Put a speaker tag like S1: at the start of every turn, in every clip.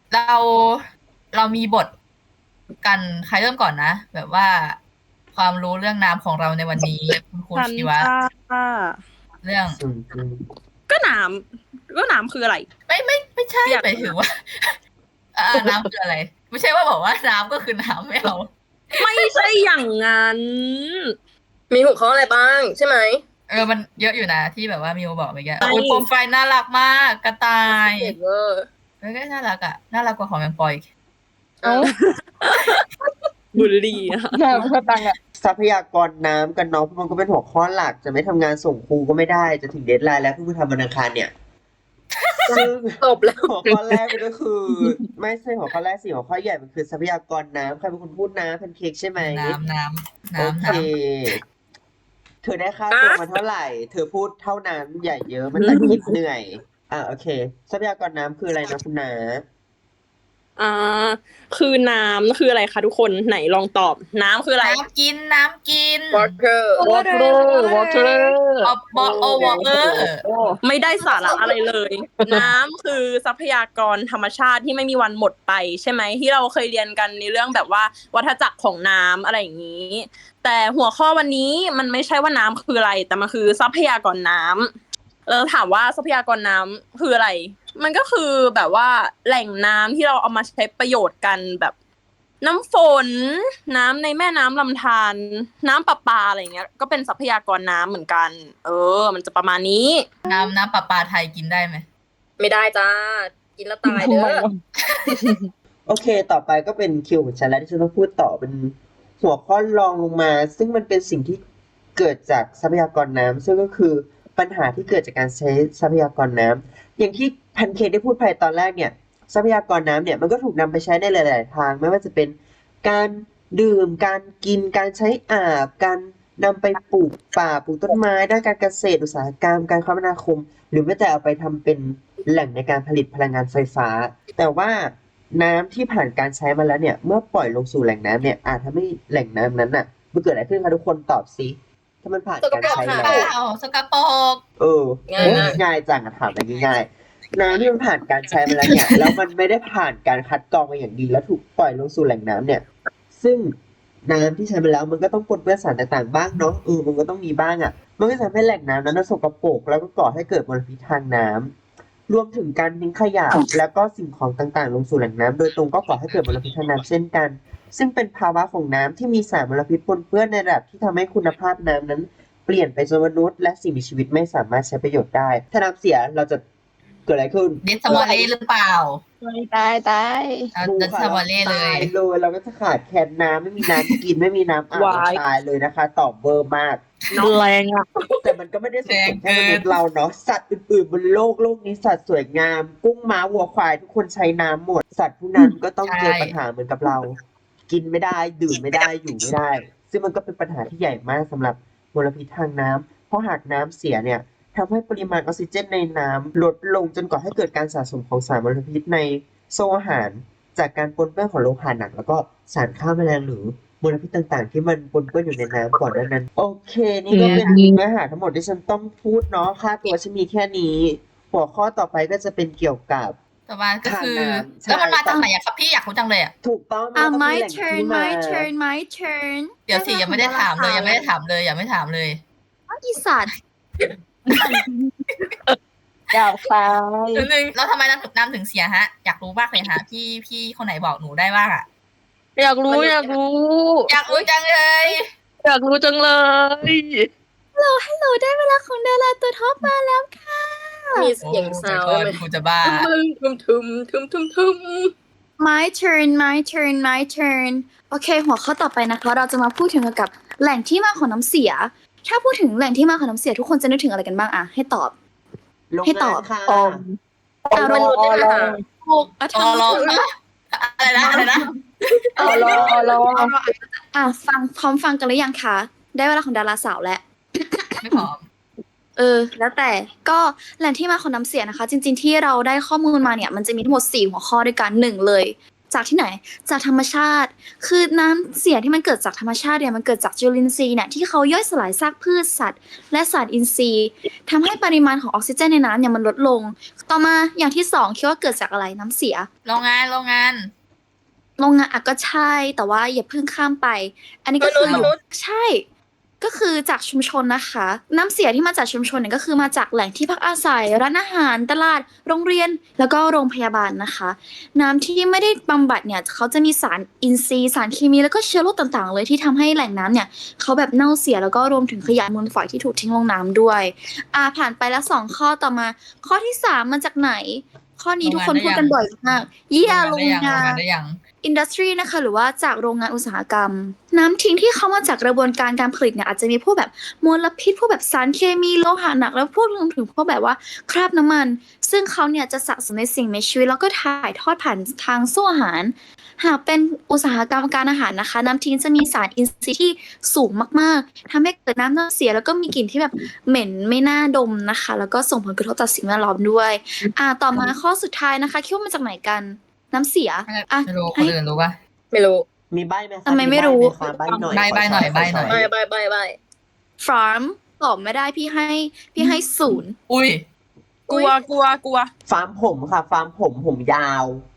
S1: เราเรามีบทกันใครเริ่มก่อนนะแบบว่าความรู้เรื่องน้ำของเราในวันนี้คุณครู
S2: ฉัน
S1: ชีวะ
S2: จ้า
S1: เรื่อง
S3: อืมอืม
S2: ก็น้ำคืออะไร
S1: ไม่ใช่
S2: อยาก
S1: ไปถึงว่าน้ำคืออะไรไม่ใช่ว่าบอกว่าน้ำก็คือน้ำไม่เอา
S2: ไม่ใช่อย่างนั้น
S4: มีหัวข้ออะไรบ้างใช่ไหม
S1: มันเยอะอยู่นะที่แบบว่ามิวบอกเมื่อกี้
S2: ใช่
S1: โอ้ยโปรไฟล์น่ารักมากกระต่าย
S4: เด็ดเวอร์
S1: ก็น่ารักอ่ะน่ารักกว่าของแมงปอยอีก
S4: เอ้า
S2: บุลลี่อะ
S5: น้ำก็ตังอ่ะ
S3: ทรัพยากรน้ำกันเนาะเพราะมันก็เป็นหัวข้อหลักจะไม่ทำงานส่งครูก็ไม่ได้จะถึงเดดไลน์แล้วเพิ่งไปทำวันอังคารเนี่ยซึ่ง
S4: จบแล้ว
S3: หัวข้อแรกมันก็คือ ไม่ใช่หัวข้อแรกสิหัวข้อใหญ่มันคือทรัพยากรน้ำใครเป็นคนพูดน้ำแพนเค้กใช่ไหม
S1: น้ำ
S3: โอเคเธอได้ค่าตัวมาเท่าไหร่ เธอพูดเท่านั้นอย่าเยอะมันตัดคลิปเหนื่อยโอเคทรัพยากรน้ำคืออะไรนะคุณนา
S2: อ่าคือน้ำคืออะไรคะทุกคนไหนลองตอบน้ำคืออะไร
S1: น้ำกิน
S4: water
S5: water water
S2: ไม่ได้สาระอะไรเลย น้ำคือทรัพยากรธรรมชาติที่ไม่มีวันหมดไปใช่ไหมที่เราเคยเรียนกันในเรื่องแบบว่าวัฏจักรของน้ำอะไรอย่างนี้ แต่หัวข้อวันนี้มันไม่ใช่ว่าน้ำคืออะไรแต่มันคือทรัพยากรน้ำถามว่าทรัพยากรน้ำคืออะไร มันก็คือแบบว่าแหล่งน้ำที่เราเอามาใช้ประโยชน์กันแบบน้ำฝนน้ำในแม่น้ำลำธารน้ำประปาอะไรเงี้ยก็เป็นทรัพยากรน้ำเหมือนกันมันจะประมาณนี้
S1: น้ำประปาไทยกินได้ไหม
S4: ไม่ได้จ้า กินแล้วตายเด้อ
S3: โอเค ต่อไปก็เป็นคิวของฉันแล้วที่ฉันต้องพูดต่อเป็นหัวข้อรองลงมา ซึ่งมันเป็นสิ่งที่เกิดจากทรัพยากรน้ำซึ่งก็คือปัญหาที่เกิดจากการใช้ทรัพยากรน้ำอย่างที่แพนเค้กได้พูดไปตอนแรกเนี่ยทรัพยากรน้ำเนี่ยมันก็ถูกนำไปใช้ในหลาย ๆ ทางไม่ว่าจะเป็นการดื่มการกินการใช้อาบการนำไปปลูกป่าปลูกต้นไม้ด้านการเกษตรอุตสาหกรรมการคมนาคม หรือแม้แต่เอาไปทำเป็นแหล่งในการผลิตพลังงานไฟฟ้า แต่ว่าน้ำที่ผ่านการใช้มาแล้วเนี่ยเมื่อปล่อยลงสู่แหล่งน้ำเนี่ยอาจทำให้แหล่งน้ำนั้นน่ะมันเกิดอะไรขึ้นคะทุกคนตอบสิถ้ามันผ่านการใช้
S4: สกปรก
S3: แล้
S4: ค่ะ
S3: ว
S1: สกปรก
S3: เออ
S4: ง่ายมาก
S3: ง่ายจังอะถามอะไรง่ายๆน้ำที่มันผ่านการใช้มาแล้วเนี่ยแล้วมันไม่ได้ผ่านการคัดกรองมาอย่างดีแล้วถูกปล่อยลงสู่แหล่งน้ำเนี่ย ซึ่งน้ำที่ใช้ไปแล้วมันก็ต้องปนเปื้อนสารต่างๆบ้างเนาะมันก็ต้องมีบ้างอ่ะมันก็จะทำให้แหล่งน้ำนั้นนะสกปรกแล้วก็ก่อให้เกิดมลพิษทางน้ำรวมถึงการทิ้งขยะแล้วก็สิ่งของต่างๆลงสู่แหล่งน้ำโดยตรงก็ก่อให้เกิดมลพิษทางน้ำเช่นกัน ซึ่งเป็นภาวะของน้ำที่มีสารมลพิษปนเปื้อนในระดับที่ทำให้คุณภาพน้ำนั้น เปลี่ยนไปจนมนุษย์และสิ่งมีชีวิตไม่สามารถใช้ประโยชน์ได้ ถ้าน้ำเสียเราจะเกิดอะไรขึ้น
S1: เดซมอลเล่หรือเปล่า
S5: ตาย
S1: เอาเดซมอลเล่เลย
S3: ตายเลยเราก็จะขาดแคลนน้ำไม่มีน้ำกินไม่มีน้ำอาบ
S2: วาย
S3: ตายเลยนะคะตอบเบอร์มาก
S5: แรงอ่ะ
S3: แต่มันก็ไม่ได้ส่งผลแค่มนุษย์เราเนาะสัตว์อื่นๆบนโลกนี้สัตว์สวยงาม กุ้งม้าวัวควายทุกคนใช้น้ำหมด สัตว์ผู้นั้นก็ต้องเจอปัญหาเหมือนกับเรา กินไม่ได้ดื่มไม่ได้อยู่ไม่ได้ ซึ่งมันก็เป็นปัญหาที่ใหญ่มากสำหรับมลพิษทางน้ำเพราะหากน้ำเสียเนี่ยทำให้ปริมาณออกซิเจนในน้ำลดลงจนก่อให้เกิดการสะสมของสารมลพิษในโซ่อาหาร จากการปนเปื้อนของโลหะหนักแล้วก็สารฆ่าแมลงหรือมลพิษต่างๆ ที่มันปนเปื้อนอยู่ในน้ำก่อนหน้านั้น โอเค นี่ก็เป็นเนื้อหาทั้งหมดที่ฉันต้องพูดเนาะค่าตัวฉันมีแค่นี้ หัวข้อต่อไปก็จะเป็นเกี่ยวกับ
S1: ต่อมาก็คือ
S3: ทางน้ำใช่
S1: แล้วมันมาจากไหนอะครับพี่อยากรู้จังเลยอะ
S3: ถูกต้องมันก็ต้องมี
S6: my
S3: แหล่ง
S6: turn
S3: ที่มา
S6: my turn my turn
S1: เดี๋ยวสิยังไม่ได้ถามเลยยังไม่ได้ถามเลยยังไม่ถามเลย
S6: อีสัตว์
S5: อยากตาย
S1: นิดนึงแล้วทำไมน้ำถึงเสียฮะ อยากรู้มากเลยฮะพี่คนไหนบอกหนูได้บ้างอะ
S5: อยากรู้อยากรู้
S1: อยากรู้จังเลย
S5: อยากรู้จังเลย
S6: ฮัลโหลได้เวลาของดาราตัวท็อปมาแล้วค่ะ
S4: มีเสียงซาวด์ไหม
S1: กูจะบ้า
S4: ทึม
S6: my turn my turn my turn โอเค หัวข้อต่อไปนะคะ เราจะมาพูดถึงเกี่ยวกับแหล่งที่มาของน้ำเสีย ถ้าพูดถึงแหล่งที่มาของน้ำเสียทุกคนจะนึกถึงอะไรกันบ้างอะให้ตอบ
S3: ลง
S6: ให้ตอบ
S3: งานค่ะ
S5: ออม
S6: เอาลง
S5: ออลอ
S6: ถูกอ่ะ
S1: รอรออะไรนะ
S5: ออลอ
S6: พร้อมฟังกันหรือยังคะ ได้เวลาของดาราสาวแล้ว
S1: ไม่พร้อม
S6: แล้วแต่ก็แหล่งที่มาของน้ำเสียนะคะ จริงๆที่เราได้ข้อมูลมาเนี่ยมันจะมีทั้งหมด4หัวข้อด้วยกัน1เลยจากที่ไหนจากธรรมชาติ คือน้ำเสียที่มันเกิดจากธรรมชาติเนี่ยมันเกิดจากจุลินทรีย์เนี่ยที่เขาย่อยสลายซากพืชสัตว์และสารอินทรีย์ทำให้ปริมาณของออกซิเจนในน้ำเนี่ยมันลดลง ต่อมาอย่างที่สองคิดว่าเกิดจากอะไรน้ำเสีย
S1: โรงงาน
S6: โรงงานอ่ะก็ใช่แต่ว่าอย่าเพิ่งข้ามไป อันนี้ก็คือ
S4: มนุษย์
S6: ใช่ ก็คือจากชุมชนนะคะ น้ำเสียที่มาจากชุมชนเนี่ยก็คือมาจากแหล่งที่พักอาศัยร้านอาหารตลาดโรงเรียนแล้วก็โรงพยาบาลนะคะ น้ำที่ไม่ได้บำบัดเนี่ยเขาจะมีสารอินทรีย์สารเคมีแล้วก็เชื้อโรคต่างๆ เลยที่ทำให้แหล่งน้ำเนี่ยเขาแบบเน่าเสียแล้วก็รวมถึงขยะมูลฝอยที่ถูกทิ้งลงน้ำด้วยผ่านไปแล้ว2ข้อต่อมา ข้อที่3มาจากไหน ข้อนี้ทุกคนพูดกันบ่อยมากโรงงาน
S1: ได้ยัง
S6: อินดัสทรีนะคะหรือว่าจากโรงงานอุตสาหกรรม น้ำทิ้งที่เข้ามาจากกระบวนการการผลิตเนี่ยอาจจะมีพวกแบบมลพิษพวกแบบสารเคมีโลหะหนักแล้วพวกรวมถึงพวกแบบว่าคราบน้ำมัน ซึ่งเขาเนี่ยจะสะสมในสิ่งมีชีวิตแล้วก็ถ่ายทอดผ่านทางโซ่อาหาร หากเป็นอุตสาหกรรมการอาหารนะคะ น้ำทิ้งจะมีสารอินทรีย์ที่สูงมากๆทำให้เกิดน้ำเน่าเสียแล้วก็มีกลิ่นที่แบบเหม็นไม่น่าดมนะคะ แล้วก็ส่งผลกระทบต่อสิ่งแวดล้อมด้วยต่อมาข้อสุดท้ายนะคะคิดว่ามาจากไหนกัน น้ำเสีย
S1: ไม่รู้คนอื่นรู้ป่ะ
S4: ไม่รู้
S3: มีใบไหมคะ
S6: ทำไมไม่รู้
S3: ใบหน่อย
S1: ใบ้หน่อยใบ้หน่อย
S4: ใบ
S6: ฟาร์มตอบไม่ได้พี่ให้0
S1: อุ้ย
S2: กลัว
S3: ฟาร์มผมค่ะ ฟาร์มผมยาว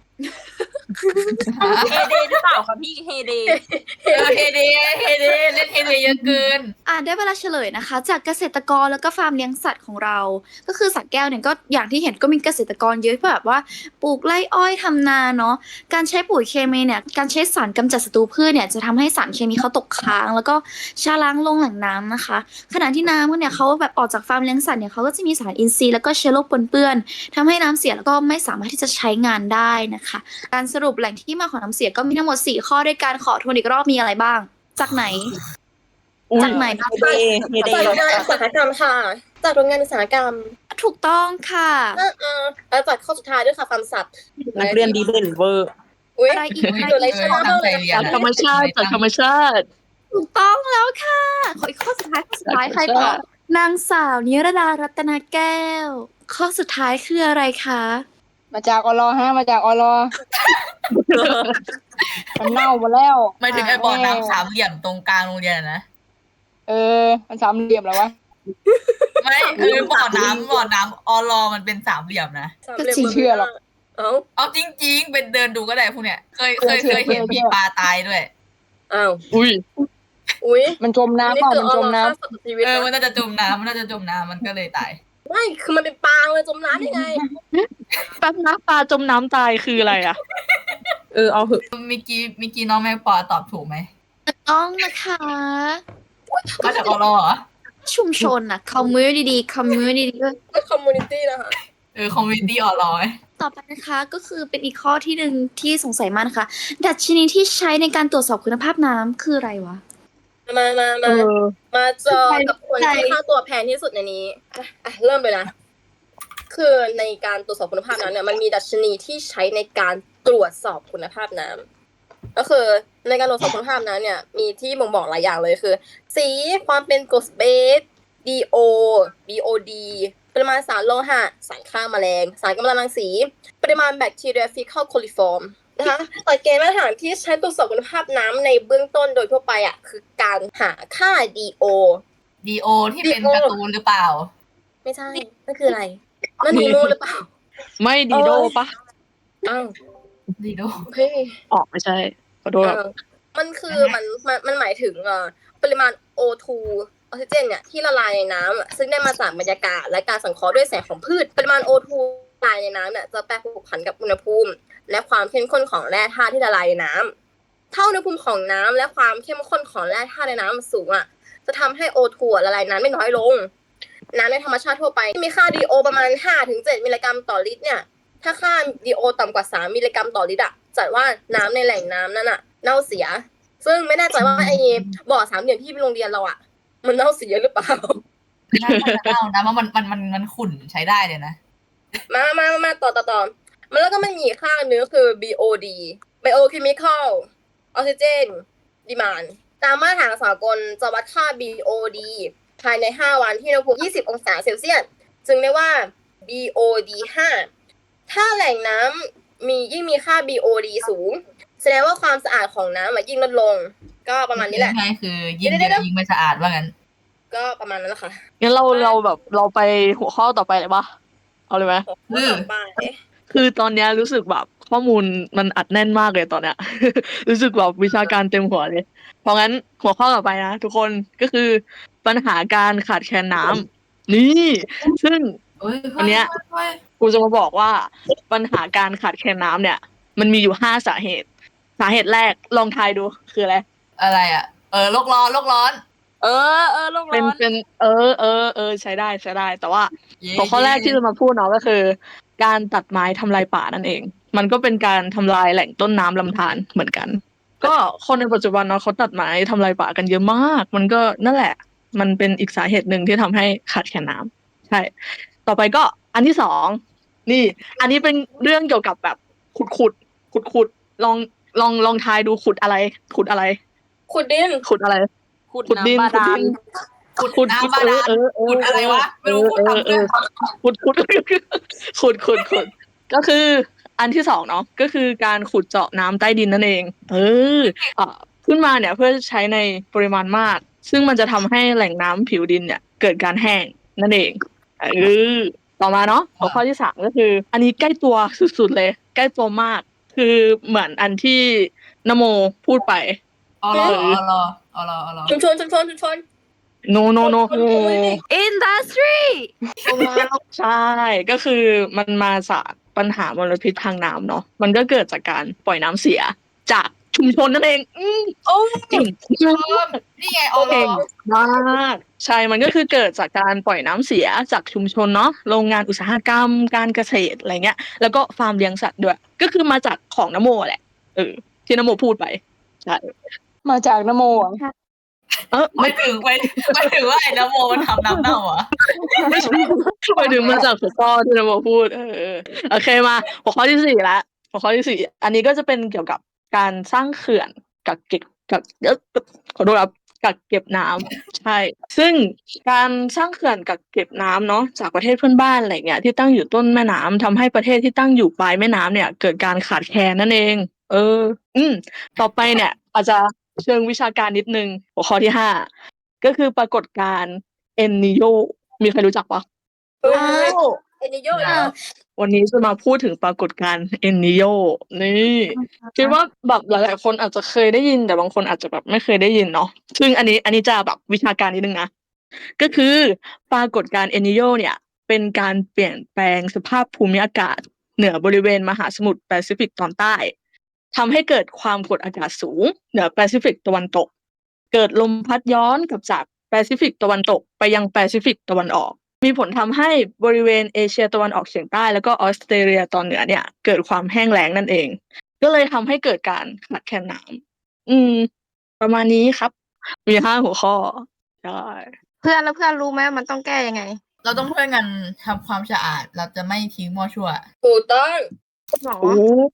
S2: เฮเดหรือเปล่าคะพี่เฮเด
S1: เฮเดเล่นเฮเดเยอะเกิน
S6: ได้เวลาเฉลยนะคะ จากเกษตรกรแล้วก็ฟาร์มเลี้ยงสัตว์ของเรา ก็คือสัตว์แก้วเนี่ยก็อย่างที่เห็นก็มีเกษตรกรเยอะแบบว่าปลูกไร่อ้อยทำนาเนาะการใช้ปุ๋ยเคมีเนี่ยการใช้สารกำจัดศัตรูพืชเนี่ยจะทำให้สารเคมีเขาตกค้าง แล้วก็ชะล้างลงแหล่งน้ำนะคะ ขณะที่น้ำเนี่ยเขาแบบออกจากฟาร์มเลี้ยงสัตว์เนี่ยเขาก็จะมีสารอินทรีย์แล้วก็เชื้อโรคปนเปื้อนทำให้น้ำเสียแล้วก็ไม่สามารถที่จะใช้งานได้นะคะ การสรุปแหล่งที่มาของน้ำเสียก็มีทั้งหมด4ข้อด้วยการขอทวนอีกรอบมีอะไรบ้าง จากไหน จากไหนบ้าง
S2: เฮเด
S4: จากโรงงานอุตสาหกรรมค่ะ จากโรงงานอุตสาหกรรม
S6: ถูกต้องค่ะ
S4: แล้วจากข้อสุดท้ายด้วยค่ะฟาร์มสัตว์
S2: นักเรียนดีเด่นเวอร์
S4: อุ้ย
S6: อะไรอีก
S4: ดูอะไรชนะบ้างเลย
S5: จากธรรมชาติจากธรรมชาติ
S6: ถูกต้องแล้วค่ะขออีกข้อสุดท้ายใครตอบนางสาวนิรดารัตนาแก้ว ข้อสุดท้ายคืออะไรคะ
S5: มาจากอลอฮะมาจากอลอมันเน่าหมดแล้ว
S1: ไม่ถึงไอ้บ่อน้ำสามเหลี่ยมตรงกลางโรงเรียนอะนะ
S5: มันสามเหลี่ยมแล้ววะ
S1: ไม่คือบ่อน้ำออลอมันเป็นสามเหลี่ยมนะ
S5: จริงเชื่อหรอก
S1: เอาจริงๆเป็นเดินดูก็ได้พวกเนี้ยเคยเห็นมีปลาตายด้วย
S4: อ้าว
S5: อุ้ยมันจมน้ำเปล่ามันจมน้ำ
S4: ชีวิต
S1: มันน่าจะจมน้ำมันก็เลยตาย
S4: ไม่คือมันเป็นปลาเลยจมน้ำได้ไง
S5: แป๊บนะปลาจมน้ำตายคืออะไรอ่ะ
S2: เอาเหอะ
S1: เมื่อกี้น้องแม่ปอตอบถูกไหม
S6: ต้องนะคะ
S1: มาจากออลอเหรอ
S6: ชุมชนน่ะคอมมูนิตี้ก็
S4: ก็คอมมูนิตี้นะคะ
S1: คอมมูนิตี้ออลอ
S6: ต่อไปนะคะก็คือเป็นอีกข้อที่หนึ่งที่สงสัยมากนะคะ ดัชนีที่ใช้ในการตรวจสอบคุณภาพน้ำคืออะไรวะ
S4: มาเจอกับคนที่ค่าตัวแพงที่สุดในนี้เริ่มเลยนะ คือในการตรวจสอบคุณภาพน้ำเนี่ยมันมีดัชนีที่ใช้ในการตรวจสอบคุณภาพน้ำก็คือในการตรวจสอบคุณภาพน้ำเนี่ยมีที่บ่งบอกหลายอย่างเลยคือ สีความเป็นกรดเบส DO BOD ปริมาณสารโลหะสารฆ่าแมลงสารกัมมันตรังสีปริมาณแบคทีเรียฟีคอลโคลิฟอร์มนะคะหลักเกณฑ์มาตรฐานที่ใช้ตรวจสอบคุณภาพน้ำในเบื้องต้นโดยทั่วไปคือการหาค่า DO
S1: ที่เป็นการ์ตูนหรือเปล่า
S4: ไม่ใช่นั่นคืออะไรนั่นนีโมหรือเปล่า
S5: ไม่ดีโดปะ
S4: อ้าว
S1: ดีโด
S4: เฮ้ย
S5: ไม่ใช่ขอโทษครับ
S4: มันคือมันหมายถึงปริมาณ O2 ออกซิเจนเนี่ยที่ละลายในน้ำซึ่งได้มาจากบรรยากาศและการสังเคราะห์ด้วยแสงของพืชปริมาณ O2 ละลายในน้ำเนี่ยจะแปรผกผันกับอุณหภูมิและความเข้มข้นของแร่ธาตุที่ละลายในน้ำถ้าอุณหภูมิของน้ำและความเข้มข้นของแร่ธาตุในน้ำสูงจะทำให้ O2 ละลายน้ำไม่น้อยลงน้ำในธรรมชาติทั่วไปมีค่า DO ประมาณ 5-7 มิลลิกรัมต่อลิตรเนี่ยถ้าค่า DO ต่ำกว่า3มิลลิกรัมต่อลิตรจัดว่าน้ำในแหล่งน้ำนั้นเน่าเสียซึ่งไม่แน่ใจว่าไอ้บ่อสามเหลี่ยมที่โรงเรียนเรามันเน่าเสียหรือเปล่า
S1: น่าจะเน่านะว่ามันขุ่นใช้ได้เลยนะ
S4: มาต่อมันแล้วก็มันมีอีกค่านึงคือ BOD Biochemical Oxygen Demand ตามมาตรฐานสากลจะวัดค่า BOD ภายใน5วันที่อุณหภูมิ20องศาเซลเซียสจึงเรียกว่า BOD 5ถ้าแหล่งน้ยิ่งมีค่า BOD สูง แสดงว่าความสะอาดของน้ำยิ่งลดลง ก็ประมาณนี้แหละ
S1: ง่ายๆคือยิ่งเยอะยิ่งไม่สะอาดว่างั้น
S4: ก็ประมาณนั้นแหละค่ะ
S5: งั้นเราแบบเราไปหัวข้อต่อไปเลยปะเอาเลยไหม
S4: ข้อต่อไป
S5: คือตอนเนี้ยรู้สึกแบบข้อมูลมันอัดแน่นมากเลยตอนเนี้ย รู้สึกแบบวิชาการเต็มหัวเลย เพราะงั้นหัวข้อต่อไปนะทุกคนก็คือปัญหาการขาดแคลนน้ำนี่ซึ่ง
S1: เฮ้ย
S5: อันเนี้ย กูจะมาบอกว่าปัญหาการขาดแคลนน้ำเนี่ย มันมีอยู่5 สาเหตุ สาเหตุแรกลองทายดูคืออะไร
S1: อะไรอ่ะโลกร้อนโลกร้อน
S2: เออโลก
S5: เป็น
S2: ร้อน
S5: เป็นใช้ได้แต่ว่า
S1: เย้
S5: หัวข้อแรกที่จะมาพูดเนาะก็คือ การตัดไม้ทำลายป่านั่นเอง มันก็เป็นการทำลายแหล่งต้นน้ำลำธารเหมือนกัน ก็คนในปัจจุบันเนาะเขาตัดไม้ทำลายป่ากันเยอะมาก มันก็นั่นแหละ มันเป็นอีกสาเหตุหนึ่งที่ทำให้ขาดแคลนน้ำใช่ ต่อไปก็อันที่2นี่ อันนี้เป็นเรื่องเกี่ยวกับแบบขุดลองทายดูขุดอะไร
S4: ขุดดิน
S5: ขุดอะไร
S2: ขุด
S5: ขุดดิน
S2: น้ำบาดาล
S1: ขุดน้ำบาดาลขุดอะไรวะไม่รู้ขุดทำเรื่อง
S5: ขุดก็คืออันที่2เนาะก็คือการขุดเจาะน้ำใต้ดินนั่นเองขึ้นมาเนี่ยเพื่อใช้ในปริมาณมาก ซึ่งมันจะทำให้แหล่งน้ำผิวดินเนี่ยเกิดการแห้งนั่นเองต่อมาเนาะหัวข้อที่3ก็คือ อันนี้ใกล้ตัวสุดๆเลยใกล้ตัวมาก คือเหมือนอันที่นโมพูดไป
S1: เอารอ
S4: ชุมชน
S5: no
S6: อินดัสทรี
S5: ใช่ก็คือมันมาจากปัญหามลพิษทางน้ำเนาะมันก็เกิดจากการปล่อยน้ำเสียจากชุมชนนั่นเองเก่ง
S1: นี่ไง
S5: เก่งมากใช่มันก็คือเกิดจากการปล่อยน้ำเสียจากชุมชนเนาะโรงงานอุตสาหกรรมการเกษตรอะไรเงี้ยแล้วก็ฟาร์มเลี้ยงสัตว์ด้วยก็คือมาจากของนโมแหละที่นโมพูดไปใช่มาจากนโม
S1: ไม่ถึงว่าไอ้นโมมันทำน้ำเน่าอ่ะ
S5: ไปถึงมาจากหัวข้อที่นโมพูดโอเคมาหัวข้อที่4ละหัวข้อที่4อันนี้ก็จะเป็นเกี่ยวกับการสร้างเขื่อนกักเก็บขอโทษครับกักเก็บน้ำใช่ซึ่งการสร้างเขื่อนกักเก็บน้ำเนาะจากประเทศเพื่อนบ้านอะไรเงี้ยที่ตั้งอยู่ต้นแม่น้ำทำให้ประเทศที่ตั้งอยู่ปลายแม่น้ำเนี่ยเกิดการขาดแคลนนั่นเองต่อไปเนี่ยอาจจะเชิงวิชาการนิดนึงหัวข้อที่5ก็คือปรากฏการณ์เอลนีโญมีใครรู้จักปะ
S4: เอ็นนิโย
S5: วันนี้จะมาพูดถึงปรากฏการณ์เอลนีโญนี่คิดว่าแบบหลายๆคนอาจจะเคยได้ยินแต่บางคนอาจจะแบบไม่เคยได้ยินเนาะซึ่งอันนี้จะแบบวิชาการนิดนึงนะก็คือปรากฏการณ์เอลนีโญเนี่ยเป็นการเปลี่ยนแปลงสภาพภูมิอากาศเหนือบริเวณมหาสมุทรแปซิฟิกตอนใต้ทำให้เกิดความกดอากาศสูงเหนือแปซิฟิกตะวันตกเกิดลมพัดย้อนกลับจากแปซิฟิกตะวันตกไปยังแปซิฟิกตะวันออกมีผลทำให้บริเวณเอเชียตะวันออกเฉียงใต้แล้วก็ออสเตรเลียตอนเหนือเนี่ยเกิดความแห้งแล้งนั่นเองก็เลยทำให้เกิดการขาดแคลนน้ำประมาณนี้ครับมี5 หัวข้อใช่เพื่อนรู้ไหมมันต้องแก้ยังไง
S1: เราต้องช่วยกันทำความสะอาดเราจะไม่ทิ้งมั่วชั่ว
S4: ถูกต้อง
S5: หรอ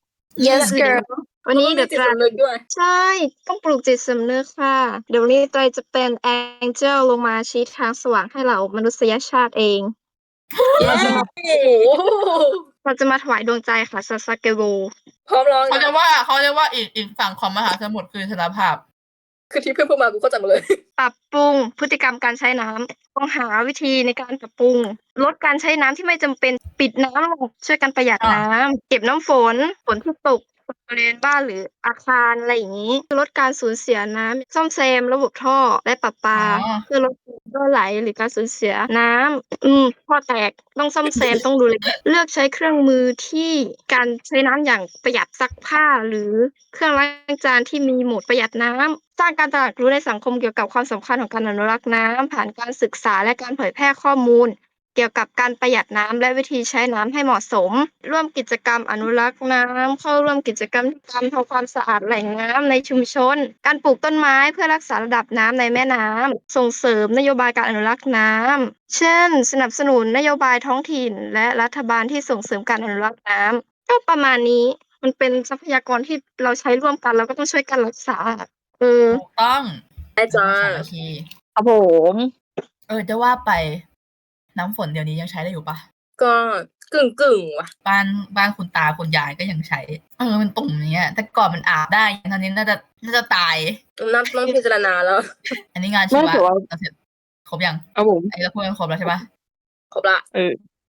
S6: yes girl
S5: วันนี้เดี๋ยว
S4: จิตสำนึกด้วย
S5: ใช่ต้องปลูกจิตสำนึกค่ะเดี๋ยวนี้ใจจะเป็นแองเจิลลงมาชี้ทางสว่างให้เรามนุษยชาติเองเราจะมาถวายดวงใจค่ะซาซาเกโร
S4: พร้อมร้อง
S1: เขา
S4: นะ
S1: จะว่าอีกฝั่งของมหาสมุทรคือสารภาพ
S4: คือที่เพื่อนพูดมากูเข้าใจหมดเลย
S5: ปรับปรุงพฤติกรรมการใช้น้ำต้องหาวิธีในการปรับปรุงลดการใช้น้ำที่ไม่จำเป็นปิดน้ำลงช่วยกันประหยัดน้ำเก็บน้ำฝนที่ตกบริเวณบ้านหรืออาคารอะไรอย่างนี้ลดการสูญเสียน้ำซ่อมแซมระบบท่อและประปา
S1: อ๋อ
S5: เพื่อลดการรั่วไหลหรือการสูญเสียน้ำท่อแตกต้องซ่อมแซมต้องดูแลเลือกใช้เครื่องมือที่การใช้น้ำอย่างประหยัดซักผ้าหรือเครื่องล้างจานที่มีโหมดประหยัดน้ำสร้างการตระหนักรู้ในสังคมเกี่ยวกับความสำคัญของการอนุรักษ์น้ำผ่านการศึกษาและการเผยแพร่ข้อมูลเกี่ยวกับการประหยัดน้ำและวิธีใช้น้ำให้เหมาะสมร่วมกิจกรรมอนุรักษ์น้ำเข้าร่วมกิจกรรมการทำความสะอาดแหล่งน้ำในชุมชนการปลูกต้นไม้เพื่อรักษาระดับน้ำในแม่น้ำส่งเสริมนโยบายการอนุรักษ์น้ำเช่นสนับสนุนนโยบายท้องถิ่นและรัฐบาลที่ส่งเสริมการอนุรักษ์น้ำก็ประมาณนี้มันเป็นทรัพยากรที่เราใช้ร่วมกันเราก็ต้องช่วยกันรักษา
S1: ถูกต้อง
S4: ได้จ้า
S1: สามัคคี
S5: ครับผม
S1: จะว่าไปน้ำฝนเดี๋ยวนี้ยังใช้ได้อยู่ปะ
S4: ก็กึ่งว่ะ
S1: บ้านคุณตาคุณยายก็ยังใช้มันตุ่มเนี้ย แต่ก่อนมันอาบได้ตอนนี้น่าจะตาย
S4: ต้องพิจารณาแล้ว
S1: อันนี้งานชีวะ
S5: ไม่แต่ว่า
S1: เราเสร็จครบยัง
S5: ครับผม
S1: ไอ้เราพูดกันครบแล้วใช่ปะ
S4: ครบละ
S5: เออ